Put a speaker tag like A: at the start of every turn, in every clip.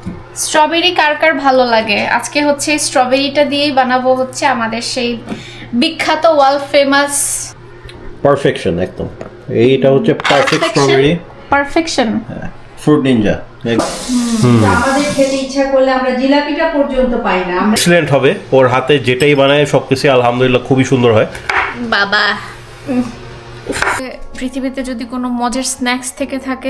A: Strawberry কার কার ভালো লাগে? আজকে হচ্ছে স্ট্রবেরিটা দিয়েই বানাবো হচ্ছে আমাদের সেই বিখ্যাত ওয়ার্ল্ড ফেমাস
B: পারফেকশন একদম। এইটা হচ্ছে perfect strawberry
A: perfection
B: fruit ninja.
C: আমাদের খেতে ইচ্ছা করলে আমরা জিলাপিটা পর্যন্ত পাই না।
B: এক্সিলেন্ট হবে, ওর হাতে যেটাই বানায় সবকিছু আলহামদুলিল্লাহ খুবই সুন্দর হয়।
A: বাবা পৃথিবীতে যদি কোনো মজার স্ন্যাক্স থেকে থাকে।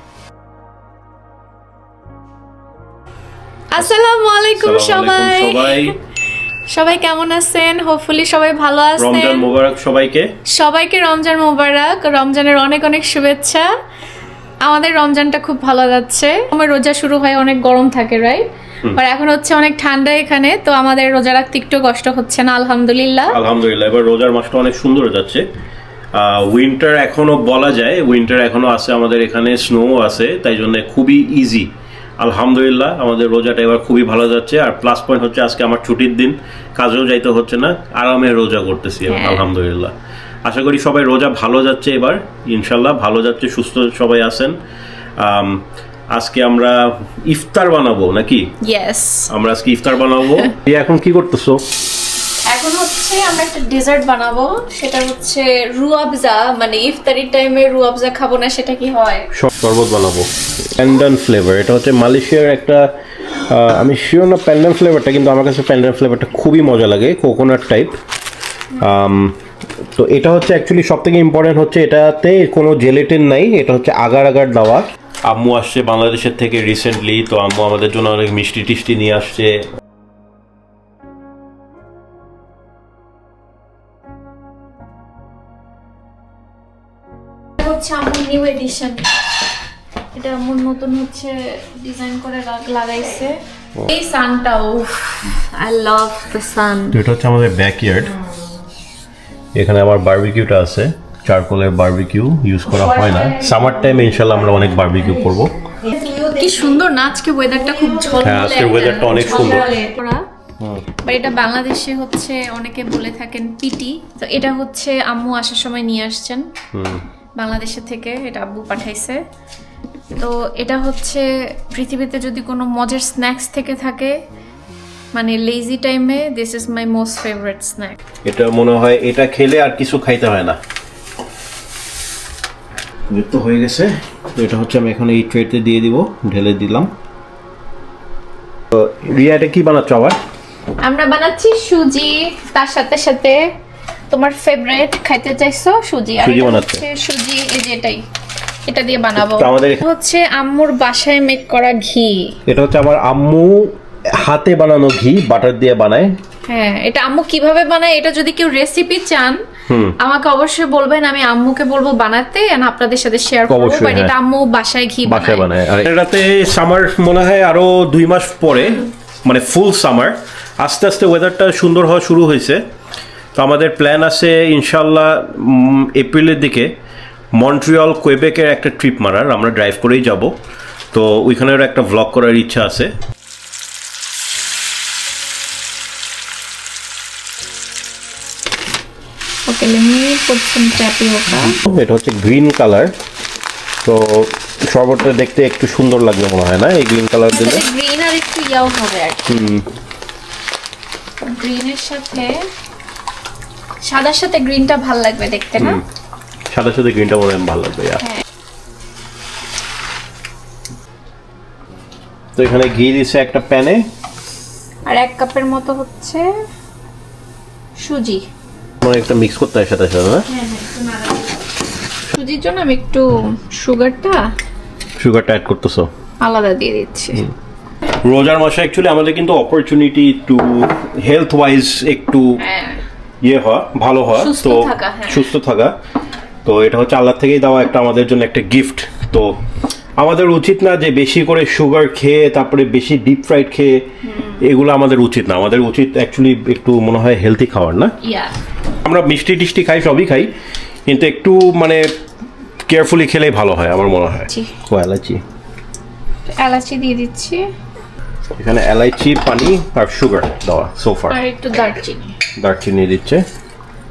A: আসসালামু আলাইকুম সবাই, সবাই কেমন আছেন? হোপফুলি সবাই ভালো আছেন।
B: রমজান মোবারক সবাইকে।
A: সবাইকে রমজান মোবারক, রমজানের অনেক অনেক শুভেচ্ছা। আমাদের রমজানটা খুব ভালো যাচ্ছে। আমার রোজা শুরু হয় অনেক গরম থাকে, রাইট? আর এখন হচ্ছে অনেক ঠান্ডা এখানে, তো আমাদের রোজা রাখতে একটু কষ্ট হচ্ছে না, আলহামদুলিল্লাহ।
B: আলহামদুলিল্লাহ এবার রোজার মাসটা অনেক সুন্দর যাচ্ছে। উইন্টার এখনো বলা যায়, উইন্টার এখনো আছে আমাদের এখানে, স্নো আছে, তাই জন্য খুবই ইজি। আলহামদুলিল্লাহ আমাদের রোজাটা এবার খুবই ভালো যাচ্ছে। আর প্লাস পয়েন্ট হচ্ছে আজকে আমার ছুটির দিন, কাজেও যাইতে হচ্ছে না, আরামে রোজা করতেছি এবার, আলহামদুলিল্লাহ। আশা করি সবাই রোজা ভালো যাচ্ছে এবার, ইনশাল্লাহ ভালো যাচ্ছে, সুস্থ সবাই আছেন। আজকে আমরা ইফতার বানাবো নাকি?
A: ইয়েস,
B: আমরা আজকে ইফতার বানাবো। এখন কি করতেছো?
A: এখন হচ্ছে আমরা একটা ডেজার্ট বানাবো, সেটা হচ্ছে রুয়াবজা। মানে ইফতারির টাইমে রুয়াবজা খাবো না, সেটা কি হয়?
B: শরবত বানাবো প্যান্ডান ফ্লেভার। এটা হচ্ছে মালয়েশিয়ার একটা, আমি শিওর না প্যান্ডান ফ্লেভারটা, কিন্তু আমার কাছে প্যান্ডান ফ্লেভারটা খুবই মজা লাগে, কোকোনাট টাইপ। তো এটা হচ্ছে অ্যাকচুয়ালি সব থেকে ইম্পর্টেন্ট হচ্ছে এটাতে কোনো জেলেটিন নাই, এটা হচ্ছে আগার আগার দেওয়া। আম্মু আসছে বাংলাদেশের থেকে রিসেন্টলি, তো আম্মু আমাদের জন্য অনেক মিষ্টি টিষ্টি নিয়ে আসছে।
A: হচ্ছে আমার নিউ এডিশন, এটা আমার নতুন হচ্ছে ডিজাইন করে লাগাইছে। এই সানটাও, আই লাভ দ্য সান।
B: তো এটা হচ্ছে আমাদের ব্যাকইয়ার্ড, এখানে আমার বারবিকিউটা আছে, চারকোলের বারবিকিউ ইউজ করা হয় না। সামার টাইমে ইনশাল্লাহ আমরা অনেক বারবিকিউ করবো।
A: কি সুন্দর না আজকে ওয়েদারটা, খুব ঝলমলে।
B: হ্যাঁ, আজকের ওয়েদারটা অনেক সুন্দর।
A: বাট এটা বাংলাদেশে হচ্ছে অনেকে বলে থাকেন পিটি, তো এটা হচ্ছে আম্মু আসার সময় নিয়ে আসছেন বাংলাদেশে থেকে, এটা আব্বু পাঠাইছে। তো এটা হচ্ছে পৃথিবীতে যদি কোনো মজার স্ন্যাক্স থেকে থাকে, মানে লেজি টাইমে, this is my most favourite snack.
B: এটা মনে হয় এটা খেলে আর কিছু খাইতে হয় না। তো হয়ে গেছে, তো এটা হচ্ছে আমি এখন এই ট্রেতে দিয়ে দিব, ঢেলে দিলাম। তো রিয়া এটা কি বানাচ্ছ আবার?
A: আমরা বানাচ্ছি সুজি, তার সাথে সাথে তোমার ফেভারিট খাইতে চাইছো সুজি, আর
B: সুজি
A: এটা
B: বানাচ্ছে।
A: হচ্ছে সুজি, এই যে এটা দিয়ে বানাবো।
B: তো আমাদের
A: হচ্ছে আম্মুর বাসায় মেক করা ঘি।
B: এটা হচ্ছে আমার আম্মু হাতে বানানো ঘি, বাটার দিয়ে বানায়।
A: হ্যাঁ, এটা আম্মু কিভাবে বানায়, এটা যদি কেউ রেসিপি চান আমাকে অবশ্যই বলবেন, আমি আম্মুকে বলবো বানাতে, আর আপনাদের সাথে শেয়ার করবো। বাট এটা আম্মু বাসায় ঘি বানায়।
B: আর এটাতে সামার মনে হয় আরো 2 মাস পরে, মানে ফুল সামার, আস্তে আস্তে ওয়েদারটা সুন্দর হওয়া শুরু হয়েছে। তো আমাদের প্ল্যান আছে ইনশাল্লাহ এপ্রিলের দিকে মন্ট্রিয়ল কোয়েবেকের একটা ট্রিপ মারার, আমরা ড্রাইভ করেই যাব। তো ওইখানের একটা ভ্লগ করার ইচ্ছা আছে।
A: ওকে, let me put some tapioca.
B: এটা হচ্ছে গ্রিন কালার, তো শরবতটা দেখতে একটু সুন্দর লাগবে মনে হয় না এই গ্রিন কালার দিলে?
A: গ্রিন আর একটু ইয়াও হবে আর কি। গ্রিনের সাথে সাদার সাথে গ্রিনটা ভাল লাগবে দেখতে, না?
B: সাদার সাথে গ্রিনটা মনে হয় ভালো লাগবে। তো এখানে ঘি দিছে একটা প্যানে,
A: আর 1 কাপের মতো হচ্ছে সুজি।
B: মানে একটা মিক্স করতে হয় সাথে সাথে, না?
A: সুজির জন্য আমি একটু সুগারটা
B: অ্যাড করতেছো?
A: আলাদা দিয়ে দিচ্ছি।
B: রোজার মাসে অ্যাকচুয়ালি আমাদের কিন্তু অপরচুনিটি টু হেলথ ওয়াইজ একটু ইয়ে হওয়া, ভালো হওয়া, তো সুস্থ থাকা। তো এটা হচ্ছে আল্লাহ থেকেই দেওয়া একটা আমাদের জন্য একটা গিফট। তো আমাদের উচিত না যে বেশি করে সুগার খেয়ে, তারপরে বেশি ডিপ ফ্রাইড খেয়ে, এগুলো আমাদের উচিত না। আমাদের উচিত অ্যাকচুয়ালি একটু মনে হয় হেলথি খাওয়ার, না? আমরা মিষ্টি টিষ্টি খাই, সবই খাই, কিন্তু একটু মানে কেয়ারফুলি খেলেই ভালো হয় আমার মনে হয়। ও
A: এলাচি দিয়ে দিচ্ছি,
B: এখানে এলাইচি, পানি আর সুগার দেওয়া সোফার,
A: আর একটু
B: দারচিনি দিচ্ছে।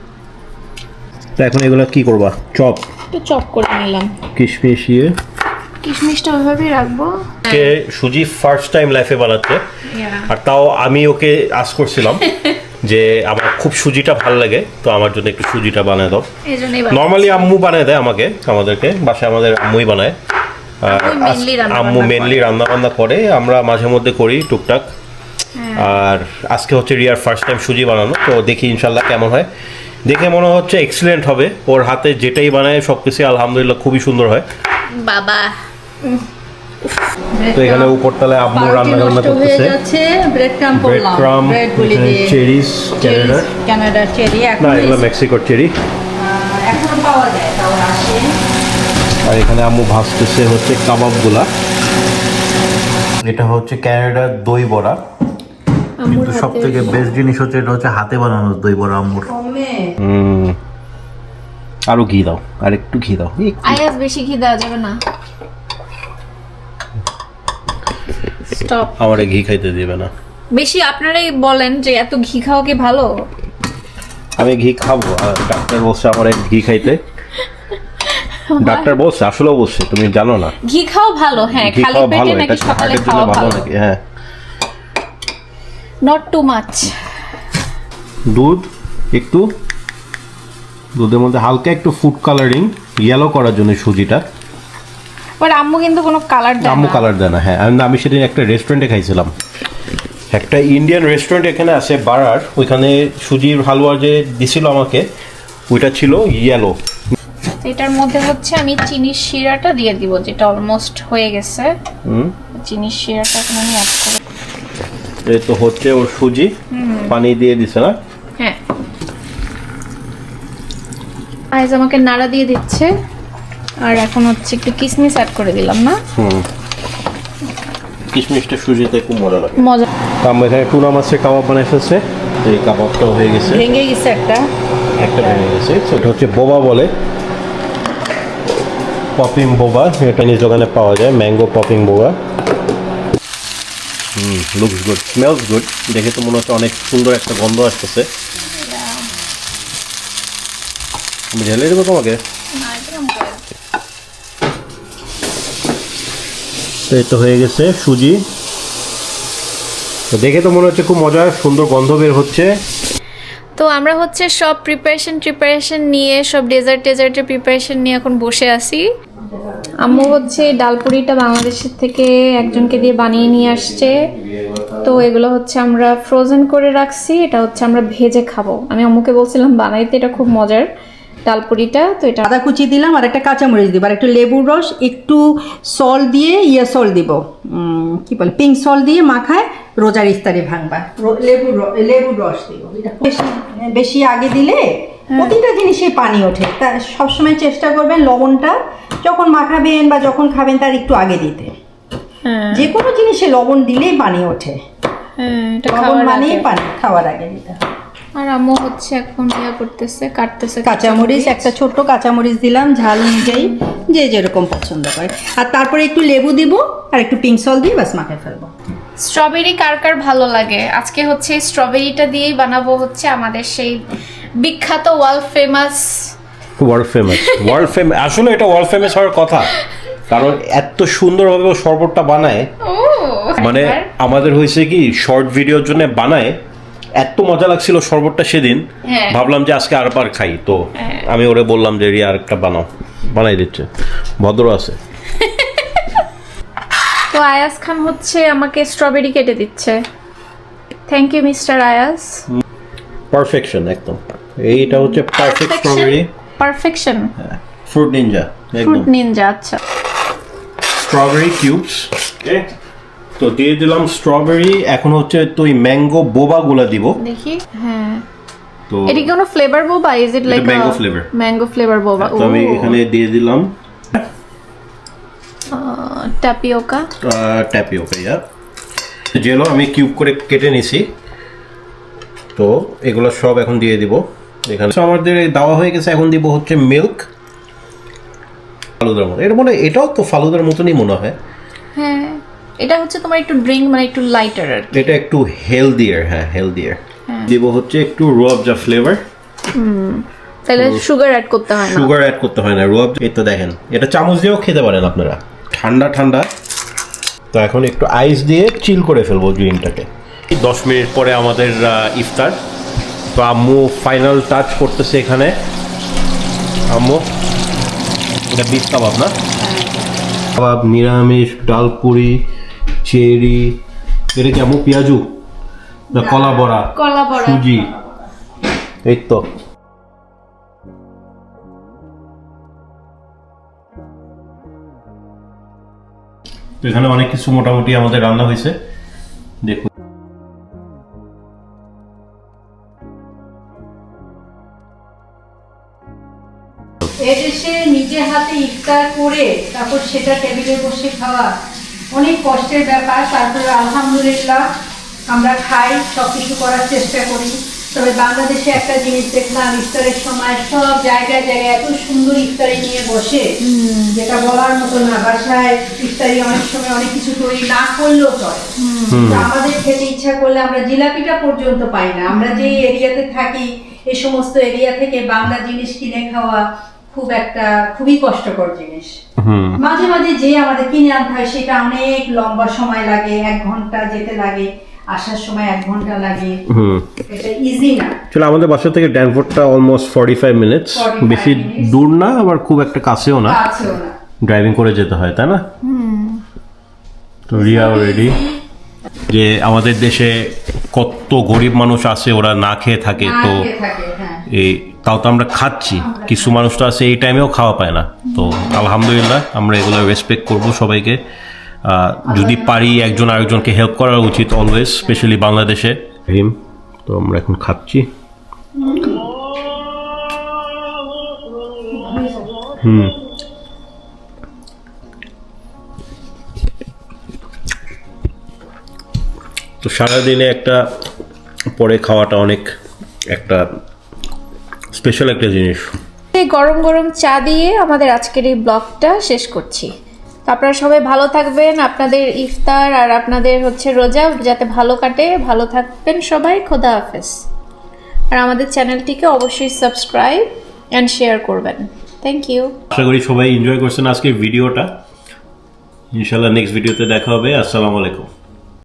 B: তো এখন এগুলো কি করবা? চপ
A: একটু চপ করে নিলাম।
B: কিশমিশ ইয়ে
A: কিশমিশটা ওইভাবেই রাখবো।
B: কে সুজি ফার্স্ট টাইম লাইফে বানাচ্ছে, আর তাও আমি ওকে আস করছিলাম যে আমার খুব সুজিটা ভালো লাগে, তো আমার জন্য একটু সুজিটা বানিয়ে দাও। নর্মালি আম্মু বানিয়ে দেয় আমাদেরকে বাসায়, আমাদের আম্মুই বানায়। আম্মু মেনলি রান্না বান্না করে, আমরা মাঝে মধ্যে করি টুকটাক। আর আজকে হচ্ছে রিয়ার ফার্স্ট টাইম সুজি বানানো, তো দেখি ইনশাল্লাহ কেমন হয়। দেখে মনে হচ্ছে এক্সিলেন্ট হবে, ওর হাতে যেটাই বানায় সবকিছু আলহামদুলিল্লাহ খুবই সুন্দর হয়
A: বাবা।
B: তো এখানে উপরতলায় আম্মু রান্না করতেছে,
C: ব্রেড ক্রাম করলাম, ব্রেড গুলি দিয়ে
B: চেরিস,
C: কানাডার চেরি,
B: না এগুলো মেক্সিকোর চেরি,
C: এখন পাওয়া যায়, তাও আসে।
B: আর এখানে আম্মু ভাজতেছে হচ্ছে কাবাবগুলা। এটা হচ্ছে কানাডার দই বড়া, কিন্তু সব থেকে বেস্ট জিনিস হচ্ছে এটা হচ্ছে হাতে বানানো দই বড়া আম্মুর। আরো ঘি দাও, আর একটু ঘি দাও।
A: আয়াস বেশি ঘি দেওয়া যাবে না, স্টপ।
B: আমারে ঘি খাইতে দিবে না
A: বেশি। আপনারাই বলেন যে এত ঘি খাওয়া কি ভালো?
B: আমি ঘি খাবো, আর ডাক্তার বলছে আমার ঘি খাইতে। ডাক্তার বলছে, আসলে বলছে, তুমি জানো না।
A: ঘি খাওয়া ভালো, হ্যাঁ,
B: ঘি
A: খালি
B: খাওয়া
A: পেটে
B: ভালো,
A: নাকি
B: এটা
A: সকালে
B: হার্টের জন্য
A: খাওয়া
B: ভালো
A: ভালো
B: নাকি? হ্যাঁ,
A: নট টু মাচ।
B: দুধ একটু, দুধের মধ্যে হালকা একটু ফুড কালারিং ইয়েলো করার জন্য সুজিটা।
A: বাট আম্মু কিন্তু কোনো কালার দেয় না।
B: আম্মু কালার দেয় না, হ্যাঁ। আমি সেদিন একটা রেস্টুরেন্টে খাইছিলাম, একটা ইন্ডিয়ান রেস্টুরেন্ট এখানে আছে বারার, ওইখানে সুজির হালুয়া যে দিছিল আমাকে, ওইটা ছিল ইয়েলো।
A: এটার মধ্যে হচ্ছে আমি চিনির শিরাটা দিয়ে দিব, যেটা অলমোস্ট হয়ে গেছে। চিনির শিরাটা এখন আমি অ্যাড করব।
B: এই তো হচ্ছে ওর সুজি, পানি দিয়ে দিছে না?
A: হ্যাঁ, আইজ আমাকে নাড়া দিয়ে দিচ্ছে। আর এখন হচ্ছে একটু কিশমিশ অ্যাড করে দিলাম না?
B: কিশমিশটা সুজিতে খুব মজা লাগে,
A: মজা।
B: আমরা এখানে টুনা মাছের কাবাব বানাই ফেলছে, এই কাবাবটাও হয়ে গেছে,
C: ভেঙে গেছে একটা
B: ভেঙে গেছে। এটা হচ্ছে বোবা বলে, পপিং বোবা, এটা নিজ দোকানে পাওয়া যায়, mango popping boba. Looks good, smells good, দেখে তো মনে হচ্ছে অনেক সুন্দর একটা গন্ধ আসতেছে। আমি ঢেলে দেবো তোমাকে। তো এই তো হয়ে গেছে সুজি, তো দেখে তো মনে হচ্ছে খুব মজা, সুন্দর গন্ধ বের হচ্ছে।
A: তো আমরা হচ্ছে সব প্রিপারেশন নিয়ে, সব ডেজার্টের প্রিপারেশন নিয়ে এখন বসে আছি। আম্মু হচ্ছে ডালপুরিটা বাংলাদেশের থেকে একজনকে দিয়ে বানিয়ে নিয়ে আসছে, তো এগুলো হচ্ছে আমরা ফ্রোজেন করে রাখছি। এটা হচ্ছে আমরা ভেজে খাবো। আমি আম্মুকে বলছিলাম বানাইতে, এটা খুব মজার ডালপুরিটা। তো এটা
C: আদা কুচি দিলাম, আর একটা কাঁচামরিচ দিব, আর একটু লেবুর রস, একটু সল্ট দিয়ে সল্ট দিব, কি বলে, পিঙ্ক সল্ট দিয়ে মাখায় রোজার ইফতারি ভাঙবা। লেবুর রস দিব। এটা বেশি আগে দিলে প্রতিটা জিনিসে পানি ওঠে, তা সবসময় চেষ্টা করবেন লবণটা যখন মাখাবেন বা যখন খাবেন তার একটু আগে দিতে। যে কোনো জিনিসে লবণ দিলেই পানি ওঠে, লবণ মানেই পানি, খাওয়ার আগে দিতে।
A: আর আম্মু হচ্ছে এখন কাটতেছে
C: কাঁচামরিচ, একটা ছোট্ট কাঁচামরিচ দিলাম ঝাল অনুযায়ী, যে যেরকম পছন্দ করে। আর তারপরে একটু লেবু দিব, আর একটু পিঙ্ক সল্ট দিয়ে বাস মাখায় ফেলবো।
A: স্ট্রবেরি কার কার ভালো লাগে? আজকে হচ্ছে স্ট্রবেরিটা দিয়েই বানাবো হচ্ছে আমাদের সেই বিখ্যাত ওয়ার্ল্ড ফেমাস।
B: আসলে এটা ওয়ার্ল্ড ফেমাস হওয়ার কথা, কারণ এত সুন্দরভাবে ও শরবতটা বানায়। মানে আমাদের হয়েছে কি, শর্ট ভিডিওর জন্য বানায়, এত মজা লাগছিল শরবতটা সেদিন, ভাবলাম যে আজকে আরবার খাই। তো আমি ওরে বললাম যে রিয়া আরেকটা বানাই দিচ্ছে, ভদ্র আছে।
A: তো আয়াস খান হচ্ছে আমাকে স্ট্রবেরি কেটে দিচ্ছে। Thank you mister Ayas.
B: Perfection একদম, এইটা হচ্ছে perfect strawberry,
A: perfection,
B: fruit ninja,
A: fruit ninja. আচ্ছা,
B: স্ট্রবেরি কিউবস, ওকে। তো দিয়ে দিলাম স্ট্রবেরি, এখন হচ্ছে তো এই ম্যাঙ্গো বোবা গুলা দিব,
A: দেখি। হ্যাঁ,
B: তো
A: এটা কি কোনো flavour boba? Is it like mango flavour boba?
B: তো আমি এখানে দিয়ে দিলাম
A: ট্যাপিওকা,
B: ইয়া জেলো আমি কিউব করে কেটে নিছি। তো এগুলো সব এখন দিয়ে দিব এখানে। আমাদের দেওয়া হয়ে গেছে, এখন দিব হচ্ছে মিল্ক, ফালুদার মতো। এটা মনে হয় এটাও তো ফালুদার মতনই মনে হয়।
A: হ্যাঁ, এটা হচ্ছে তোমার একটু ড্রিঙ্ক, মানে একটু লাইটার আর কি।
B: এটা একটু হেলদিয়ার, হ্যাঁ হেলদিয়ার। দিব হচ্ছে একটু রুয়াবজা ফ্লেভার।
A: তাহলে সুগার অ্যাড করতে হয় না?
B: সুগার অ্যাড করতে হয় না, রুয়াবজা। এই তো দেখেন, এটা চামচ দিয়েও খেতে পারেন আপনারা, ঠান্ডা ঠান্ডা, তো এখন একটু আইস দিয়ে চিল করে ফেলবো ড্রিঙ্কটাকে। 10 মিনিট পরে আমাদের ইফতার। তো আম্মু ফাইনাল টাচ করতেছে এখানে। আম্মু, এটা বিফ কাবাব না? কাবাব, নিরামিষ, ডাল পুরি, চেরি, এটা কি আম্মু পেঁয়াজু না কলা বড়া, সুজি, এই তো। তো এখানে অনেক কিছু মোটামুটি আমাদের রান্না হয়েছে, দেখুন।
C: এদেশে নিজে হাতে ইফতার করে তারপর সেটা টেবিলে বসে খাওয়া অনেক কষ্টের ব্যাপার। তারপরে আলহামদুলিল্লাহ আমরা খাই, সবকিছু করার চেষ্টা করি। তবে বাংলাদেশে একটা জিনিস দেখলাম, ইফতারের সময় সব জায়গায় জায়গায় এত সুন্দর ইফতারি নিয়ে বসে, যেটা বলার মতো না। বাসায় ইফতারি অনেক সময় অনেক কিছু তৈরি না করলেও চলে। আমাদের খেতে ইচ্ছা করলে আমরা জিলাপিটা পর্যন্ত পাই না। আমরা যে এরিয়াতে থাকি, এই সমস্ত এরিয়া থেকে বাংলা জিনিস কিনে খাওয়া খুবই কষ্টকর জিনিস। মাঝে মাঝে যে আমাদের কিনে আনতে হয় সেটা অনেক লম্বা সময় লাগে, 1 ঘন্টা যেতে লাগে, আসার সময় 1 ঘন্টা লাগে। এটা ইজি না।
B: চলো, আমাদের বাসা থেকে ড্যানফোর্ডটা অলমোস্ট 45 মিনিটস, বেশি দূর না আবার খুব একটা কাছেও না, ড্রাইভিং করে যেতে হয়, তাই না? তো রিয়া রেডি। যে আমাদের দেশে কত গরিব মানুষ আছে, ওরা না খেয়ে থাকে, তো এই তাও তো আমরা খাচ্ছি। কিছু মানুষ তো আছে এই টাইমেও খাওয়া পায় না। তো আলহামদুলিল্লাহ আমরা এগুলো রেসপেক্ট করব সবাইকে। যদি পারি একজন আরেকজনকে হেল্প করা উচিত অলওয়েজ, স্পেশালি বাংলাদেশে। তো আমরা এখন খাচ্ছি। তো সারাদিনে একটা পরে খাওয়াটা অনেক একটা স্পেশাল একটা জিনিস।
A: গরম গরম চা দিয়ে আমাদের আজকের এই ব্লগটা শেষ করছি। আপনারা সবাই ভালো থাকবেন, আপনাদের ইফতার আর আপনাদের রোজা যাতে ভালো কাটে, ভালো থাকবেন সবাই। খোদা হাফেজ। আর আমাদের চ্যানেলটিকে অবশ্যই সাবস্ক্রাইব অ্যান্ড শেয়ার করবেন। Thank you.
B: আশা করি সবাই এনজয় করছেন আজকের ভিডিওটা। ইনশাআল্লাহ নেক্সট ভিডিওতে দেখা হবে। আসসালামু আলাইকুম।